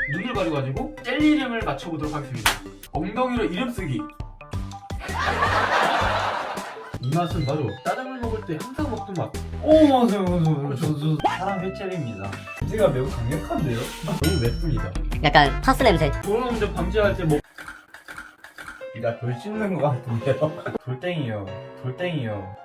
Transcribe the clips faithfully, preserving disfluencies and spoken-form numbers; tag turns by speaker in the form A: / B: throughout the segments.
A: 눈을 가려가지고 젤리 이름을 맞춰보도록 하겠습니다. 엉덩이로 이름 쓰기. 이 맛은 바로 짜장면 먹을 때 항상 먹던 맛.
B: 오 맞아요 맞아요 저도 사람 회찰입니다. 냄새가 매우 강력한데요?
A: 너무 맵습니다.
C: 약간 파스 냄새.
A: 그런 점 방지할 때 뭐.
B: 나 돌 씹는 것 같은데요? 돌덩이요 돌덩이요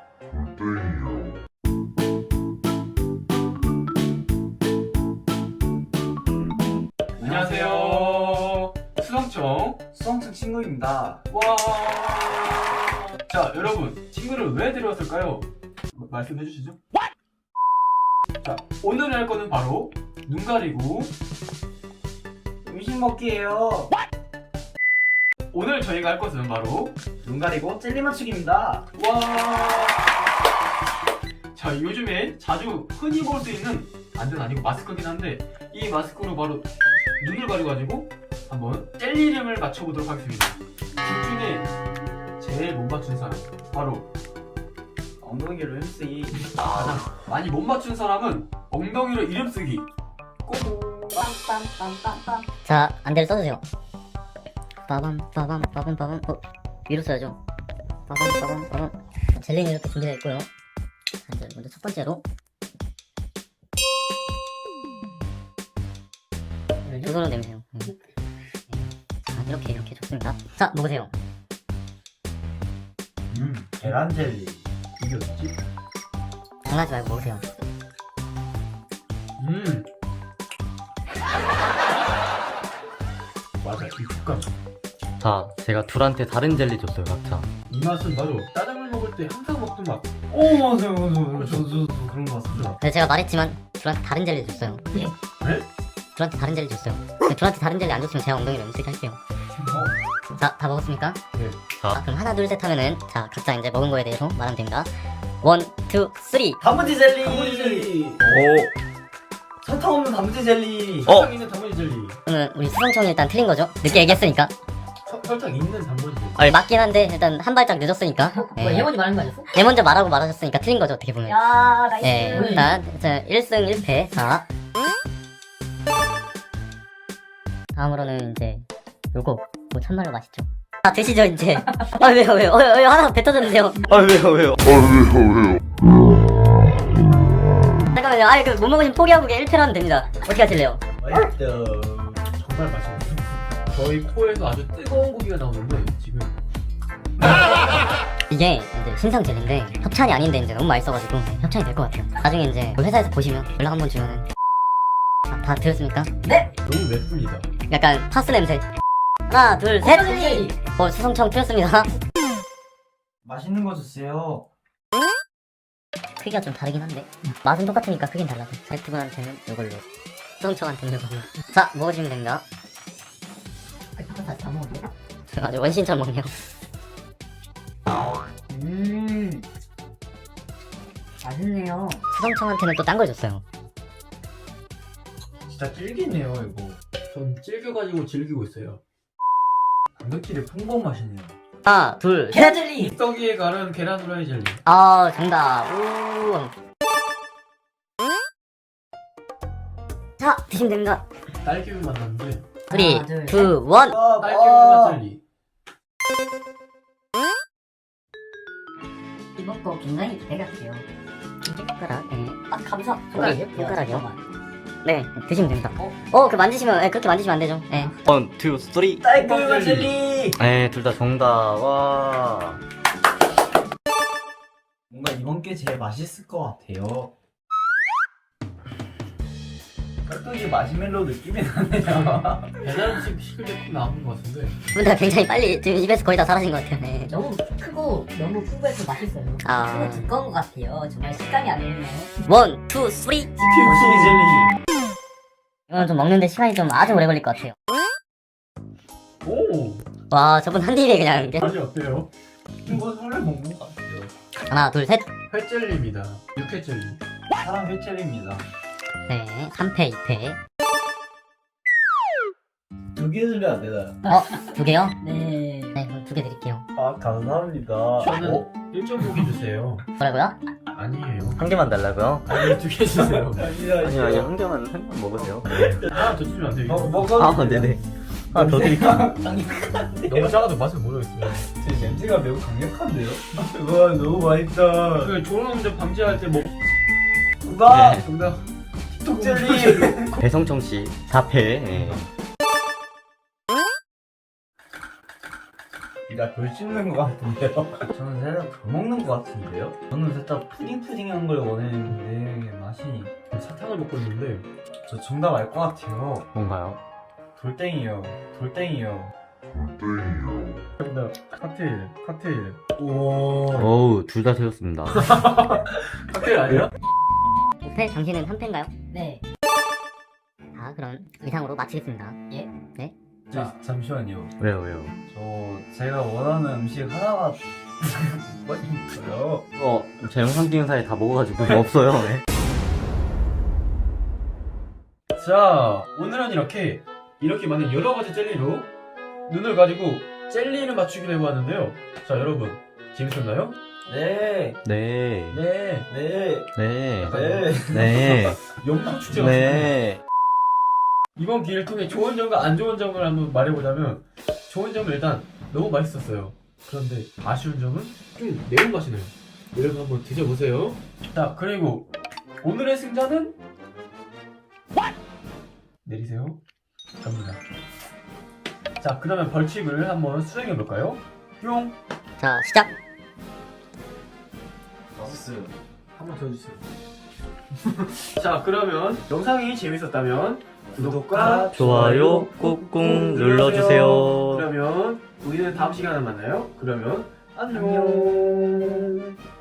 A: 안녕하세요. 수성청.
B: 수성층 친구입니다.
A: 와. 자, 여러분, 친구를 왜 데려왔을까요? 마- 말씀해 주시죠. 자, 오늘 할 거는 바로 눈 가리고.
B: 음식 먹기예요.
A: 오늘 저희가 할 것은 바로
B: 눈 가리고 젤리 맞추기입니다.
A: 와. 자, 요즘에 자주 흔히 볼 수 있는, 완전 아니고 마스크긴 한데, 이 마스크로 바로 눈을 가려가지고 한번 젤리 이름을 맞춰보도록 하겠습니다. 둘 중에 제일 못 맞춘 사람, 바로
B: 엉덩이로 햄쓰기.
A: 가장 많이 못 맞춘 사람은 엉덩이로 이름 쓰기. 꼬고.
C: 자, 안대를 써주세요. 빠밤 빠밤 빠밤 빠밤. 어, 위로 써야죠. 빠밤 빠밤 빠밤. 젤리는 이렇게 준비되어 있고요. 자, 이제 먼저 첫 번째로 두 손으로 내미세요. 네. 자, 이렇게 이렇게 좋습니다. 자, 먹으세요.
B: 음 계란 젤리.
A: 이게 어딨지?
C: 장난하지 말고 먹으세요.
A: 음. 맞아, 이 식감.
D: 자, 제가 둘한테 다른 젤리 줬어요, 각자.
A: 이 맛은 바로 짜장면 먹을 때 항상 먹던 맛.
B: 오 맞아요 맞아요 저도 그런 것 같습니다.
C: 네, 제가 말했지만 둘한테 다른 젤리 줬어요.
A: 네?
C: 둘한테 다른 젤리 줬어요. 네, 둘한테 다른 젤리 안 줬으면 제가 엉덩이를 음식 할게요. 자, 다 먹었습니까?
A: 네.
C: 자, 그럼 하나, 둘, 셋 하면은 자, 각자 이제 먹은 거에 대해서 말하면 됩니다. 원, 투, 쓰리.
B: 단무지 젤리.
A: 단무지 젤리.
D: 오!
B: 설탕 없는 단무지 젤리.
D: 어?
A: 설탕 있는 단무지 젤리.
C: 그러면 우리 수성청이 일단 틀린 거죠? 늦게 얘기했으니까.
A: 서- 설탕 있는 단무지 젤리.
C: 어, 맞긴 한데 일단 한 발짝 늦었으니까. 예.
E: 얘 먼저 말하는 거 아니었어?
C: 얘 먼저 말하고 말하셨으니까 틀린 거죠, 어떻게 보면.
E: 야, 나이스.
C: 예, 일단 자, 일 승 일 패. 자, 다음으로는 이제 요거 뭐 참말로 맛있죠. 아, 드시죠 이제. 아, 왜요 왜요? 어, 어, 어, 하나 뱉어졌는데요.
D: 아, 왜요, 왜요?
C: 잠깐만요. 아, 그 못 먹으면 포기하고 그냥 일 패라면 됩니다. 어떻게 하실래요?
B: 맛있죠.
A: 정말 맛있네요. 저희 코에서 아주 뜨거운 고기가 나오는데 지금
C: 이게 이제 신상 젤리인데 협찬이 아닌데 이제 너무 맛있어가지고 협찬이 될 것 같아요. 나중에 이제 그 회사에서 보시면 연락 한번 주면은. 아, 다 들었습니까?
A: 너무 맵습니다.
C: 약간 파스 냄새. 하나, 둘, 셋. 어, 수성청 틀렸습니다.
B: 맛있는 거 주세요.
C: 크기가 좀 다르긴 한데 맛은 똑같으니까 크긴 달라서 제트분한테는 이걸로, 수성청한테는 이걸로. 자, 먹어주시면 됩니다.
E: 다 먹었네.
C: 아주 원신처럼 먹네요.
E: 음. 맛있네요.
C: 수성청한테는 또 딴 걸 줬어요.
B: 진짜 질기네요 이거.
A: 전 질겨가지고 즐기고 있어요.
B: 단백질이 풍부한 맛이네요.
C: 하나, 둘, 셋.
E: 계란 젤리.
A: 떡이에 갈은 계란 후라이 젤리.
C: 아, 정답. 우. 자, 드시면 됩니다.
A: 딸기우유 맛 나는데
C: 쓰리,
E: 하나, 둘,
C: 투, 원.
B: 아,
A: 딸기우유 맛 젤리.
E: 이번 거 굉장히 기대가 돼요.
C: 손가락, 예.
E: 아, 감사.
C: 손가락이요? 손가락이요?
E: 잠깐만.
C: 네, 드시면 됩니다.
E: 어?
C: 어, 그 만지시면, 예, 그렇게 만지시면 안 되죠. 예.
D: 원, 투, 쓰리.
B: 딸기맛 젤리.
D: 에, 둘 다 정답. 와.
B: 뭔가 이번 게 제일 맛있을 것 같아요. 깍두기 마시멜로 느낌이 나네요.
A: 배달 음식 시킬 때 꼭 나오는 것 같은데.
C: 근데 굉장히 빨리 지금 입에서 거의 다 사라진 것 같아요. 네.
E: 너무 크고 너무 풍부해서 맛있어요.
C: 아.
E: 크고 두꺼운 것 같아요. 정말 식감이 안 오네요.
C: 원, 투, 쓰리.
B: 김치 젤리.
C: 이거는 좀 먹는데 시간이 좀 아주 오래 걸릴 것 같아요.
A: 오,
C: 와, 저분 한 입에 그냥 이렇게.
A: 맛이 어때요?
B: 이거 설레 먹는 것 같아요.
C: 하나, 둘, 셋.
A: 회젤리입니다. 육회 젤리.
B: 사람 회찰입니다.
C: 네, 삼 패, 이 패.
B: 두 개 주면 안 되나요?
C: 어, 두 개요?
E: 네.
C: 네, 그럼 두 개 드릴게요.
B: 아 감사합니다.
A: 저는
B: 어?
A: 일 점 오 개 주세요.
C: 뭐라고요?
A: 아니에요.
D: 한 개만 달라고요?
A: 아니 두 개 주세요.
B: 아니야
D: 아니요 아니요 한 개만 한 개만 먹으세요.
A: 하나 더 주면 안 돼요.
B: 어, 먹어.
D: 아 네네. 하나 더 드릴까?
A: 너무 작아도 맛을 모르겠어요.
B: 제 냄새가 매우 강력한데요? 와 너무 맛있다.
A: 그 졸음운전 방지할 때 먹.
B: 정답.
D: 네.
A: 정답.
B: 톡 젤리.
D: 배성청 씨 사 패. 예.
B: 나덜 씹는 것 같은데요? 저는 살짝 더 먹는 것 같은데요? 저는 살짝 푸딩푸딩한 걸 원했는데 맛이
A: 사탕을 먹고 있는데
B: 저 정답 알 것 같아요.
D: 뭔가요?
B: 돌땡이요. 돌땡이요.
A: 정답. 칵테일. 칵테일.
B: 오.
D: 어우 둘 다 세웠습니다.
A: 칵테일 아니야?
C: 오 패, 당신은 한 패인가요?
E: 네.
C: 자, 그럼 이상으로 마치겠습니다.
B: 자 잠시만요.
D: 왜요 왜요?
B: 저 제가 원하는 음식 하나가 뭐가 있어요?
D: 어, 제 영상 찍은 사이에 다 먹어가지고 없어요. 네.
A: 자, 오늘은 이렇게 이렇게 많은 여러 가지 젤리로 눈을 가지고 젤리를 맞추기로 해보았는데요. 자, 여러분 재밌었나요?
B: 네.
D: 네.
A: 네.
B: 네.
D: 네.
B: 네.
D: 네.
A: 영상 축제 같습니다.
D: 네.
A: 이번 기회를 통해 좋은 점과 안 좋은 점을 한번 말해보자면 좋은 점은 일단 너무 맛있었어요. 그런데 아쉬운 점은 좀 매운맛이 나요. 여러분 한번 드셔보세요. 자, 그리고 오늘의 승자는 내리세요. 갑니다. 자, 그러면 벌칙을 한번 수행해볼까요? 뿅!
C: 자, 시작!
B: 맛있어요. 한 번 더 주세요.
A: 자, 그러면 영상이 재밌었다면 구독과
D: 좋아요 꾹꾹 눌러주세요.
A: 그러면 우리는 다음 시간에 만나요. 그러면 안녕.